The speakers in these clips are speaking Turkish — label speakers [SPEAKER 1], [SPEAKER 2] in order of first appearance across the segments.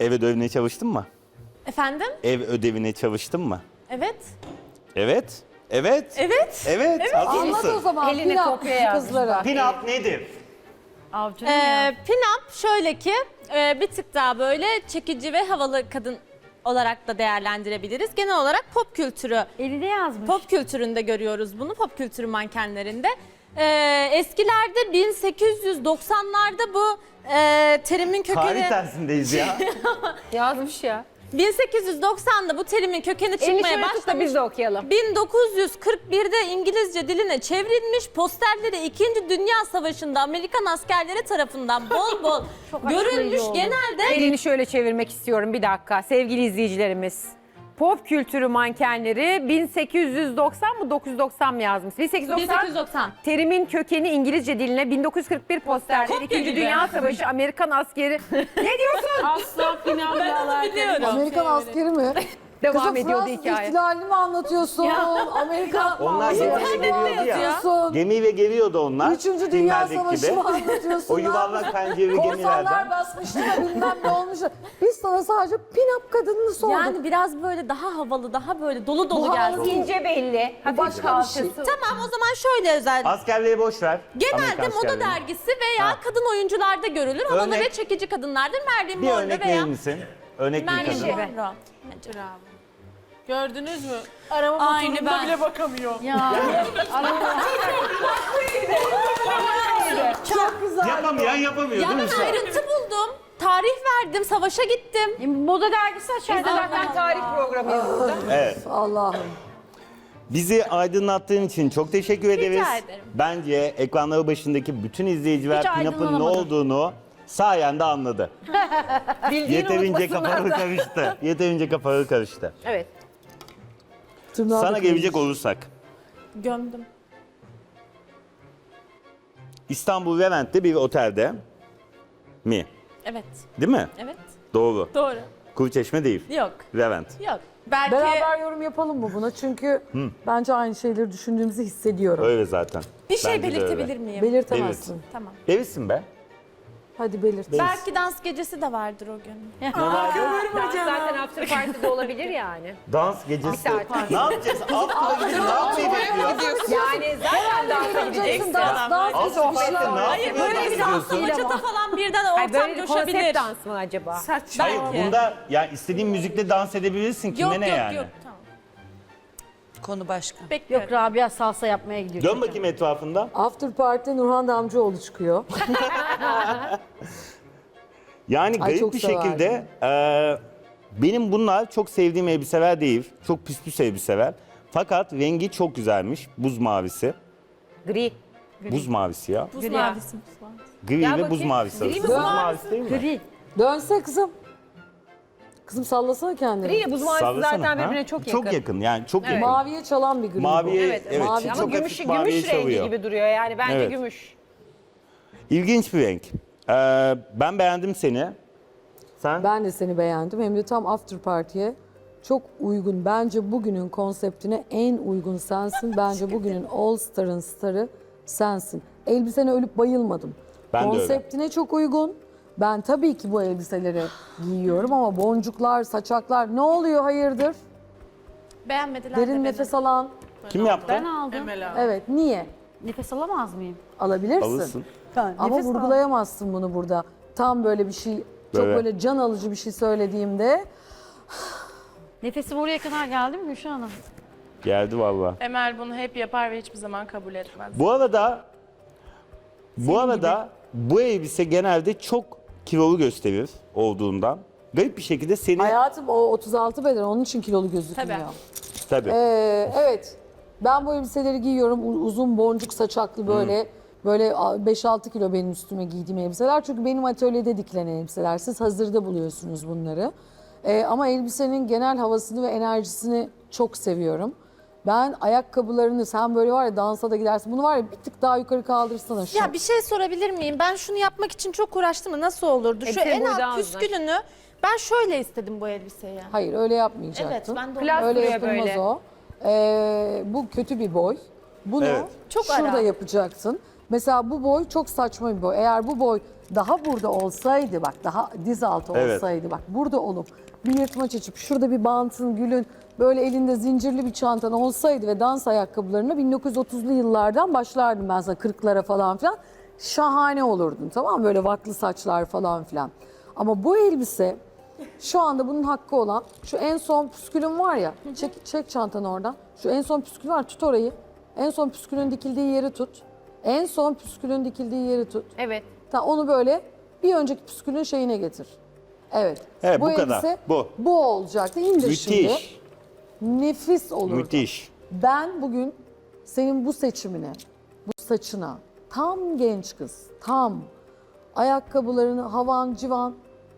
[SPEAKER 1] Ev ödevine çalıştın mı?
[SPEAKER 2] Efendim?
[SPEAKER 1] Ev ödevine çalıştın mı?
[SPEAKER 2] Evet.
[SPEAKER 1] Evet. Evet.
[SPEAKER 2] Evet.
[SPEAKER 1] Evet. Hazır
[SPEAKER 3] Anlat
[SPEAKER 1] mısın?
[SPEAKER 3] o zaman
[SPEAKER 4] Elini
[SPEAKER 3] pilav
[SPEAKER 4] kopya yazmış
[SPEAKER 3] kızlara.
[SPEAKER 1] Pin-up nedir?
[SPEAKER 2] Pin-up şöyle ki bir tık daha böyle çekici ve havalı kadın olarak da değerlendirebiliriz. Genel olarak pop kültürü.
[SPEAKER 4] Elinde yazmış.
[SPEAKER 2] Pop kültüründe görüyoruz bunu, pop kültürü mankenlerinde. Eskilerde 1890'larda bu terimin
[SPEAKER 1] Tarih
[SPEAKER 2] kökeni...
[SPEAKER 1] dersindeyiz ya.
[SPEAKER 4] Yazmış ya.
[SPEAKER 2] 1890'da bu terimin kökeni
[SPEAKER 4] Elini
[SPEAKER 2] çıkmaya
[SPEAKER 4] şöyle tut da
[SPEAKER 2] başlamış.
[SPEAKER 4] biz de okuyalım.
[SPEAKER 2] 1941'de İngilizce diline çevrilmiş, posterleri 2. Dünya Savaşı'nda Amerikan askerleri tarafından bol bol görülmüş.
[SPEAKER 4] oldu.
[SPEAKER 2] Genelde
[SPEAKER 4] Elini şöyle çevirmek istiyorum bir dakika sevgili izleyicilerimiz. Pop kültürü mankenleri 1890 mı 990 mı yazmış?
[SPEAKER 2] 1890.
[SPEAKER 4] Terimin kökeni İngilizce diline 1941 posterleri
[SPEAKER 2] Kopya
[SPEAKER 4] 2.
[SPEAKER 2] gibi.
[SPEAKER 4] Dünya Savaşı Amerikan askeri. Ne diyorsun?
[SPEAKER 5] Asla final
[SPEAKER 2] biliyorum.
[SPEAKER 3] Amerikan askeri mi?
[SPEAKER 4] Devam
[SPEAKER 3] Kızım
[SPEAKER 4] ediyordu
[SPEAKER 3] Fransız
[SPEAKER 4] hikaye.
[SPEAKER 3] ihtilalini mi anlatıyorsun? Amerikan
[SPEAKER 1] Onlar gemiyle geliyordu ya.
[SPEAKER 3] anlatıyorsun?
[SPEAKER 1] Gemiyle geliyordu onlar.
[SPEAKER 3] Üçüncü Dünya
[SPEAKER 1] filmlerdeki
[SPEAKER 3] Savaşı
[SPEAKER 1] gibi.
[SPEAKER 3] mı anlatıyorsun?
[SPEAKER 1] O yuvarlak pencereli
[SPEAKER 3] Korsanlar
[SPEAKER 1] gemilerden.
[SPEAKER 3] basmıştı da bilmem ne olmuş. Biz sana sadece pin-up kadınını sorduk.
[SPEAKER 2] Yani biraz böyle daha havalı, daha böyle dolu dolu
[SPEAKER 3] Bu
[SPEAKER 2] gelsin.
[SPEAKER 3] havalı
[SPEAKER 4] İnce belli. Hafif
[SPEAKER 3] başka bir şey.
[SPEAKER 4] kalçası.
[SPEAKER 2] Tamam, o zaman şöyle özel.
[SPEAKER 1] Askerliği boş ver.
[SPEAKER 2] Genelde
[SPEAKER 1] Amerikan
[SPEAKER 2] moda
[SPEAKER 1] askerliğini.
[SPEAKER 2] dergisi veya
[SPEAKER 1] Ha.
[SPEAKER 2] kadın oyuncularda görülür. Havalı
[SPEAKER 1] Örnek.
[SPEAKER 2] ve çekici kadınlardır. Marilyn
[SPEAKER 1] Bir
[SPEAKER 2] Monroe
[SPEAKER 1] örnek
[SPEAKER 2] veya
[SPEAKER 1] verir misin? Örnek bir
[SPEAKER 2] Marilyn
[SPEAKER 1] kadın.
[SPEAKER 2] Monroe.
[SPEAKER 5] Gördünüz mü? Arama
[SPEAKER 2] Aynı
[SPEAKER 5] motorunda
[SPEAKER 2] ben.
[SPEAKER 5] bile bakamıyor.
[SPEAKER 3] Çok güzel.
[SPEAKER 1] Yapamayan yapamıyor
[SPEAKER 2] Ya
[SPEAKER 1] değil mi
[SPEAKER 2] ben
[SPEAKER 1] sen?
[SPEAKER 2] ayrıntı buldum. Tarih verdim, savaşa gittim.
[SPEAKER 4] Moda dergisi açardı. Zaten tarih programıyız burada.
[SPEAKER 1] Evet.
[SPEAKER 3] Allah'ım.
[SPEAKER 1] Bizi aydınlattığın için çok teşekkür ederiz.
[SPEAKER 2] ederim.
[SPEAKER 1] Bence ekranları başındaki bütün izleyiciler
[SPEAKER 4] Hiç
[SPEAKER 1] Pin-Up'ın ne
[SPEAKER 4] aydınlanamadım.
[SPEAKER 1] olduğunu sayende anladı. Yeterince kafaları karıştı. Yeterince kafaları karıştı.
[SPEAKER 4] Evet.
[SPEAKER 3] Tırnağı
[SPEAKER 1] Sana
[SPEAKER 3] da
[SPEAKER 1] gelecek
[SPEAKER 3] kırılmış.
[SPEAKER 1] olursak.
[SPEAKER 2] Gömdüm.
[SPEAKER 1] İstanbul Levent'te bir otelde mi?
[SPEAKER 2] Evet.
[SPEAKER 1] Değil mi?
[SPEAKER 2] Evet.
[SPEAKER 1] Doğru.
[SPEAKER 2] Doğru.
[SPEAKER 1] Kuruçeşme değil.
[SPEAKER 2] Yok.
[SPEAKER 1] Levent.
[SPEAKER 2] Yok. Belki
[SPEAKER 3] Beraber yorum yapalım mı buna? Çünkü bence aynı şeyleri düşündüğümüzü hissediyorum.
[SPEAKER 1] Öyle zaten.
[SPEAKER 2] bir şey
[SPEAKER 1] Bence de öyle.
[SPEAKER 2] belirtebilir miyim?
[SPEAKER 3] Belirtemezsin.
[SPEAKER 2] Tamam.
[SPEAKER 1] Delisin be.
[SPEAKER 3] Hadi belirt.
[SPEAKER 2] Belki dans gecesi de vardır o gün.
[SPEAKER 4] Zaten after party'de olabilir yani.
[SPEAKER 1] Dans gecesi.
[SPEAKER 4] Bir saat.
[SPEAKER 1] Ne yapacağız? After'a gidip ne yapmayı bekliyoruz?
[SPEAKER 4] Yani zaten dansa gideceksin.
[SPEAKER 3] Dans
[SPEAKER 1] After'a
[SPEAKER 3] sohbetler.
[SPEAKER 1] ne
[SPEAKER 2] Hayır,
[SPEAKER 1] yapmayı
[SPEAKER 2] böyle bir dans
[SPEAKER 1] bekliyorsun?
[SPEAKER 2] bachata falan birden
[SPEAKER 4] Ay
[SPEAKER 2] ortam
[SPEAKER 4] böyle bir konsept
[SPEAKER 2] coşabilir.
[SPEAKER 4] dans mı acaba?
[SPEAKER 5] Saçma.
[SPEAKER 1] Hayır
[SPEAKER 2] Belki.
[SPEAKER 1] bunda ya istediğin müzikle dans edebilirsin. Kime
[SPEAKER 2] Yok
[SPEAKER 1] ne
[SPEAKER 2] yok
[SPEAKER 1] yani?
[SPEAKER 2] yok. Tamam.
[SPEAKER 6] Konu başka.
[SPEAKER 2] Bekliyorum.
[SPEAKER 4] Yok Rabia salsa yapmaya gidiyor.
[SPEAKER 1] Dön bakayım etrafında.
[SPEAKER 3] After Party'de Nurhan Damcıoğlu çıkıyor.
[SPEAKER 1] Yani
[SPEAKER 3] Ay,
[SPEAKER 1] garip
[SPEAKER 3] çok
[SPEAKER 1] bir
[SPEAKER 3] severdim.
[SPEAKER 1] şekilde benim bunlar çok sevdiğim elbiseler değil. Çok püs püs elbiseler. Fakat rengi çok güzelmiş. Buz mavisi.
[SPEAKER 4] Gri.
[SPEAKER 1] Buz mavisi ya.
[SPEAKER 2] Buz
[SPEAKER 4] Gri
[SPEAKER 2] mavisi.
[SPEAKER 1] Gri
[SPEAKER 4] Gel
[SPEAKER 1] ve buz
[SPEAKER 4] bakayım.
[SPEAKER 1] mavisi
[SPEAKER 4] Gri
[SPEAKER 1] arası.
[SPEAKER 4] mi,
[SPEAKER 1] Buz
[SPEAKER 4] buz
[SPEAKER 1] mavisi değil mi?
[SPEAKER 4] Gri.
[SPEAKER 3] Dönse kızım. Kızım sallasana kendini.
[SPEAKER 4] Gri buz mavisi
[SPEAKER 1] Sallasana,
[SPEAKER 4] zaten
[SPEAKER 1] ha?
[SPEAKER 4] birbirine çok yakın.
[SPEAKER 1] Çok yakın yani çok yakın.
[SPEAKER 3] Maviye çalan bir gri.
[SPEAKER 1] Maviye,
[SPEAKER 4] Evet,
[SPEAKER 1] evet,
[SPEAKER 3] mavi.
[SPEAKER 4] Ama
[SPEAKER 1] çok
[SPEAKER 4] gümüş,
[SPEAKER 1] hafif maviye
[SPEAKER 4] gümüş rengi
[SPEAKER 1] çalıyor.
[SPEAKER 4] gibi duruyor yani bence
[SPEAKER 1] Evet.
[SPEAKER 4] gümüş.
[SPEAKER 1] İlginç bir renk. Ben beğendim seni. Sen?
[SPEAKER 3] Ben de seni beğendim. Hem de tam After Party'ye çok uygun. Bence bugünün konseptine en uygun sensin. Bence bugünün All Star'ın starı sensin. Elbisene ölüp bayılmadım.
[SPEAKER 1] Ben de öyle.
[SPEAKER 3] Konseptine çok uygun. Ben tabii ki bu elbiseleri giyiyorum ama boncuklar, saçaklar ne oluyor hayırdır?
[SPEAKER 2] Beğenmediler de
[SPEAKER 3] Derin
[SPEAKER 2] beni.
[SPEAKER 3] nefes alan.
[SPEAKER 1] Kim yaptı?
[SPEAKER 4] aldım.
[SPEAKER 5] Emel abi.
[SPEAKER 3] Evet, niye?
[SPEAKER 4] Nefes alamaz mıyım?
[SPEAKER 3] Alabilirsin.
[SPEAKER 1] Alırsın.
[SPEAKER 3] Ama vurgulayamazsın bunu burada. Tam böyle bir şey, çok
[SPEAKER 1] Böyle.
[SPEAKER 3] böyle can alıcı bir şey söylediğimde
[SPEAKER 4] Nefesim oraya kadar geldi mi Gülşah Hanım?
[SPEAKER 1] Geldi valla.
[SPEAKER 5] Emel bunu hep yapar ve hiçbir zaman kabul etmez.
[SPEAKER 1] Bu arada bu elbise genelde çok kilolu gösterir olduğundan. Garip bir şekilde seni...
[SPEAKER 3] hayatım o 36 beden onun için kilolu gözükmüyor.
[SPEAKER 2] Tabii.
[SPEAKER 1] Tabii.
[SPEAKER 3] Evet. Ben bu elbiseleri giyiyorum. Uzun boncuk saçaklı böyle. Böyle 5-6 kilo benim üstüme giydiğim elbiseler. Çünkü benim atölyede dikilen elbiseler. Siz hazırda buluyorsunuz bunları. Ama elbisenin genel havasını ve enerjisini çok seviyorum. Ben ayakkabılarını sen böyle var ya dansa da gidersin. Bunu var ya bir tık daha yukarı kaldırsana şu.
[SPEAKER 2] Ya bir şey sorabilir miyim? Ben şunu yapmak için çok uğraştım da nasıl olurdu? Şu
[SPEAKER 4] Senin
[SPEAKER 2] en
[SPEAKER 4] boydan
[SPEAKER 2] alt
[SPEAKER 4] uzun.
[SPEAKER 2] püskülünü ben şöyle istedim bu elbiseyi.
[SPEAKER 3] Hayır öyle yapmayacaktın.
[SPEAKER 2] Evet, ben de onu-
[SPEAKER 4] Klas
[SPEAKER 3] Öyle
[SPEAKER 4] duruyor
[SPEAKER 3] yapılmaz
[SPEAKER 4] böyle.
[SPEAKER 3] o. Bu kötü bir boy. Bunu
[SPEAKER 1] Evet.
[SPEAKER 2] Çok
[SPEAKER 3] şurada
[SPEAKER 2] ara.
[SPEAKER 3] yapacaksın. Mesela bu boy çok saçma bir boy. Eğer bu boy daha burada olsaydı, bak daha diz altı
[SPEAKER 1] Evet.
[SPEAKER 3] olsaydı, bak burada olup bir yırtmaç açıp şurada bir bantın, gülün, böyle elinde zincirli bir çantan olsaydı ve dans ayakkabılarına 1930'lu yıllardan başlardım ben sana, 40'lara falan filan. Şahane olurdun, tamam mı? Böyle vaklı saçlar falan filan. Ama bu elbise şu anda bunun hakkı olan şu en son püskülün var ya, çek çantanı oradan. Şu en son püskül var, tut orayı. En son püskülün dikildiği yeri tut. En son püskülün dikildiği yeri tut.
[SPEAKER 4] Evet.
[SPEAKER 3] Onu böyle bir önceki püskülün şeyine getir. Evet.
[SPEAKER 1] Evet, bu kadar.
[SPEAKER 3] elbise
[SPEAKER 1] Bu.
[SPEAKER 3] Bu olacaktı. İndir şimdi.
[SPEAKER 1] Müthiş.
[SPEAKER 3] Nefis olurdu.
[SPEAKER 1] Müthiş.
[SPEAKER 3] Ben bugün senin bu seçimine, bu saçına, tam genç kız, tam ayakkabılarını havan civan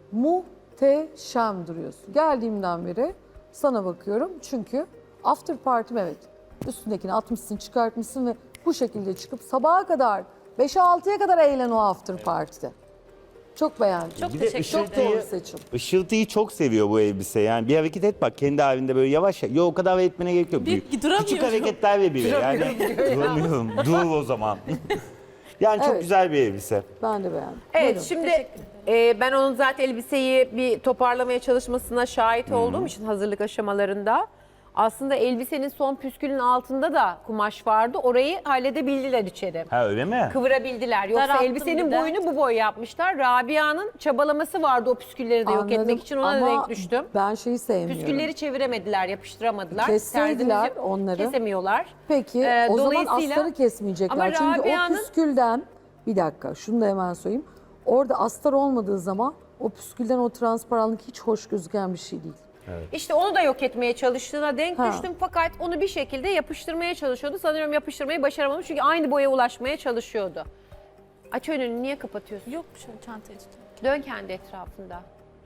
[SPEAKER 3] muhteşem duruyorsun. Geldiğimden beri sana bakıyorum çünkü after party'm, evet, üstündekini atmışsın, çıkartmışsın ve bu şekilde çıkıp sabaha kadar 5'e 6'ya kadar eğlen o after party'de. Çok beğendim.
[SPEAKER 2] Çok
[SPEAKER 1] Bir de
[SPEAKER 2] teşekkür
[SPEAKER 3] Çok
[SPEAKER 2] ederim.
[SPEAKER 3] doğru seçim.
[SPEAKER 1] Işıltıyı çok seviyor bu elbise. Yani bir hareket et bak kendi halinde böyle yavaş. Yo, o kadar etmene gerek yok.
[SPEAKER 2] duramıyorum.
[SPEAKER 1] Küçük hareketler ve bile. Yani duramıyorum. Dur o zaman. Yani çok
[SPEAKER 3] Evet.
[SPEAKER 1] güzel bir elbise.
[SPEAKER 3] Ben de beğendim.
[SPEAKER 4] Evet
[SPEAKER 3] Buyurun.
[SPEAKER 4] şimdi ben onun zaten elbiseyi bir toparlamaya çalışmasına şahit olduğum için hazırlık aşamalarında aslında elbisenin son püskülün altında da kumaş vardı. Orayı halledebildiler içeri.
[SPEAKER 1] Ha öyle mi?
[SPEAKER 4] Kıvırabildiler. Yoksa
[SPEAKER 2] Daralttım
[SPEAKER 4] elbisenin
[SPEAKER 2] bir de.
[SPEAKER 4] boyunu bu boy yapmışlar. Rabia'nın çabalaması vardı o püskülleri de yok
[SPEAKER 3] Anladım
[SPEAKER 4] etmek için, ona da
[SPEAKER 3] ama
[SPEAKER 4] denk düştüm.
[SPEAKER 3] Ben şeyi sevmiyorum.
[SPEAKER 4] Püskülleri çeviremediler, yapıştıramadılar.
[SPEAKER 3] Kesseydiler
[SPEAKER 4] Terzimiz
[SPEAKER 3] onları.
[SPEAKER 4] Kesemiyorlar.
[SPEAKER 3] Peki o zaman
[SPEAKER 4] dolayısıyla-
[SPEAKER 3] astarı kesmeyecekler.
[SPEAKER 4] Ama
[SPEAKER 3] Çünkü o
[SPEAKER 4] Rabia'nın-
[SPEAKER 3] püskülden, bir dakika şunu da hemen söyleyeyim. Orada astar olmadığı zaman o püskülden o transparanlık hiç hoş gözüken bir şey değil.
[SPEAKER 4] İşte onu da yok etmeye çalıştığına denk
[SPEAKER 3] Ha.
[SPEAKER 4] düştüm fakat onu bir şekilde yapıştırmaya çalışıyordu. Sanıyorum yapıştırmayı başaramamış çünkü aynı boya ulaşmaya çalışıyordu. Aç önünü, niye kapatıyorsun?
[SPEAKER 2] Yok şöyle çantayı tutayım.
[SPEAKER 4] Dön kendi etrafında.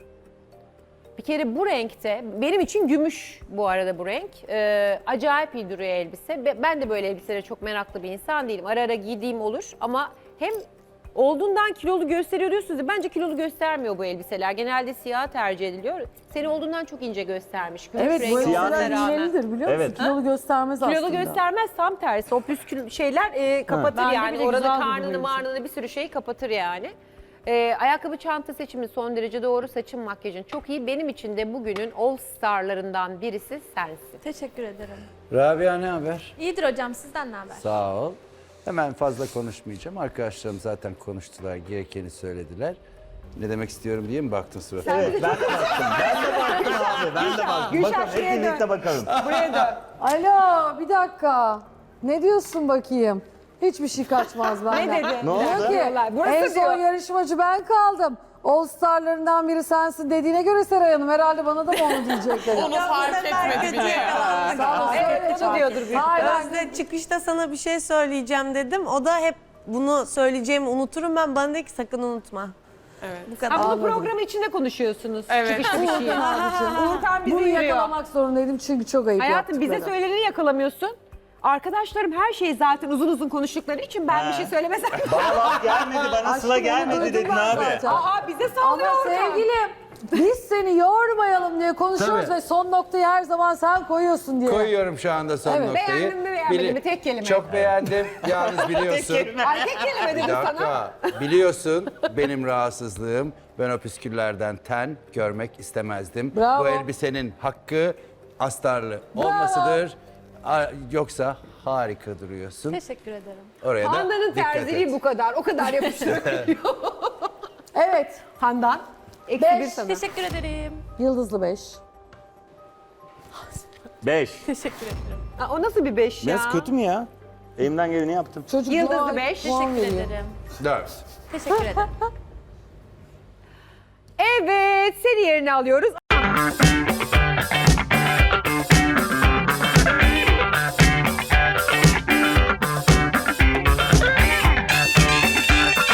[SPEAKER 4] Bir kere bu renkte, benim için gümüş bu arada bu renk. Acayip iyi duruyor elbise. Ben de böyle elbiselere çok meraklı bir insan değilim. Ara ara giydiğim olur ama hem olduğundan kilolu gösteriyor diyorsunuz ya, bence kilolu göstermiyor bu elbiseler. Genelde siyah tercih ediliyor. Seni olduğundan çok ince göstermiş. Gümüş
[SPEAKER 3] Evet,
[SPEAKER 4] rengi
[SPEAKER 3] bu
[SPEAKER 1] siyah
[SPEAKER 4] olmasına
[SPEAKER 3] elbiseler
[SPEAKER 4] rağmen.
[SPEAKER 3] iğnelidir biliyor musun?
[SPEAKER 1] Evet.
[SPEAKER 3] Kilolu göstermez aslında.
[SPEAKER 4] Kilolu göstermez, tam tersi. O püskül şeyler kapatır
[SPEAKER 2] Bence
[SPEAKER 4] yani.
[SPEAKER 2] bile
[SPEAKER 4] Orada
[SPEAKER 2] güzel
[SPEAKER 4] karnını
[SPEAKER 2] duruyor
[SPEAKER 4] marnını bir sürü şeyi kapatır yani. Ayakkabı çanta seçimi son derece doğru. Saçın makyajın çok iyi. Benim için de bugünün all starlarından birisi sensin.
[SPEAKER 2] Teşekkür ederim.
[SPEAKER 7] Rabia ne haber?
[SPEAKER 2] İyidir hocam, sizden ne haber?
[SPEAKER 7] Sağ ol. Hemen fazla konuşmayacağım. Arkadaşlarım zaten konuştular, gerekeni söylediler. Ne demek istiyorum diye mi baktın suratına?
[SPEAKER 1] Evet ben de baktım. Ben de baktım abi. Ben de baktım. Bakalım hep birlikte bakalım.
[SPEAKER 4] Buraya dön.
[SPEAKER 3] Alo, bir dakika. Ne diyorsun bakayım? Hiçbir şey kaçmaz benden.
[SPEAKER 4] Ne dedi?
[SPEAKER 1] Ne oldu?
[SPEAKER 3] Diyor ki,
[SPEAKER 4] Burası
[SPEAKER 3] en son
[SPEAKER 4] diyor.
[SPEAKER 3] yarışmacı ben kaldım. All Star'larından biri sensin dediğine göre Seray Hanım herhalde bana da mı onu diyecekler?
[SPEAKER 5] Onu fark etmedi bile.
[SPEAKER 3] Sağ ol, söyle
[SPEAKER 4] Evet, onu
[SPEAKER 3] canım.
[SPEAKER 4] diyordur büyük
[SPEAKER 3] Hayır,
[SPEAKER 8] Özde çıkışta sana bir şey söyleyeceğim dedim. O da hep bunu söyleyeceğimi unuturum ben. Bana dedi ki sakın unutma. Evet. Bu kadar.
[SPEAKER 4] Ha, bunu programın içinde konuşuyorsunuz.
[SPEAKER 5] Evet.
[SPEAKER 4] Çıkışta bir şey. Uğurkan bizi
[SPEAKER 3] Bunu
[SPEAKER 4] yürüyor.
[SPEAKER 3] yakalamak zorundaydım çünkü çok ayıp
[SPEAKER 4] Hayatım bize
[SPEAKER 3] yaptıkları.
[SPEAKER 4] söyleneni yakalamıyorsun. Arkadaşlarım her şeyi zaten uzun uzun konuştukları için ben bir şey söylemesem.
[SPEAKER 1] Bana laf gelmedi, bana sıla
[SPEAKER 3] Aşkım,
[SPEAKER 1] gelmedi
[SPEAKER 3] onu
[SPEAKER 1] dedin
[SPEAKER 3] duydum ben
[SPEAKER 1] abi.
[SPEAKER 3] zaten.
[SPEAKER 4] Aa bize
[SPEAKER 3] Ama
[SPEAKER 4] sallıyor oradan.
[SPEAKER 3] sevgilim biz seni yormayalım diye konuşuyoruz
[SPEAKER 7] Tabii.
[SPEAKER 3] ve son noktayı her zaman sen koyuyorsun diye.
[SPEAKER 7] Koyuyorum şu anda son
[SPEAKER 3] Evet.
[SPEAKER 7] noktayı.
[SPEAKER 4] Beğendin mi, beğenmedin mi? Tek kelime.
[SPEAKER 7] Çok beğendim. Yalnız biliyorsun.
[SPEAKER 4] Ay tek kelime
[SPEAKER 7] Bir
[SPEAKER 4] dedim sana.
[SPEAKER 7] dakika. Biliyorsun benim rahatsızlığım. Ben o püsküllerden ten görmek istemezdim.
[SPEAKER 3] Bravo.
[SPEAKER 7] Bu elbisenin hakkı astarlı olmasıdır. Yoksa harika duruyorsun.
[SPEAKER 2] Teşekkür ederim.
[SPEAKER 7] Oraya da
[SPEAKER 4] Handan'ın
[SPEAKER 7] dikkat
[SPEAKER 4] terziliği
[SPEAKER 7] et.
[SPEAKER 4] bu kadar. O kadar yapıştırabiliyor.
[SPEAKER 3] Evet,
[SPEAKER 4] Handan. Eksi
[SPEAKER 3] Beş.
[SPEAKER 4] bir sana.
[SPEAKER 2] Teşekkür ederim.
[SPEAKER 3] yıldızlı 5.
[SPEAKER 1] 5.
[SPEAKER 2] Teşekkür ederim.
[SPEAKER 4] Aa, o nasıl bir 5 ya?
[SPEAKER 1] Biraz kötü mü ya? Elimden geleni yaptım.
[SPEAKER 3] Çocuk
[SPEAKER 4] Yıldızlı
[SPEAKER 3] puan-
[SPEAKER 4] beş.
[SPEAKER 3] puan
[SPEAKER 2] Teşekkür
[SPEAKER 3] veriyor.
[SPEAKER 2] ederim.
[SPEAKER 7] 4.
[SPEAKER 2] Teşekkür ederim.
[SPEAKER 4] Evet, seni yerine alıyoruz.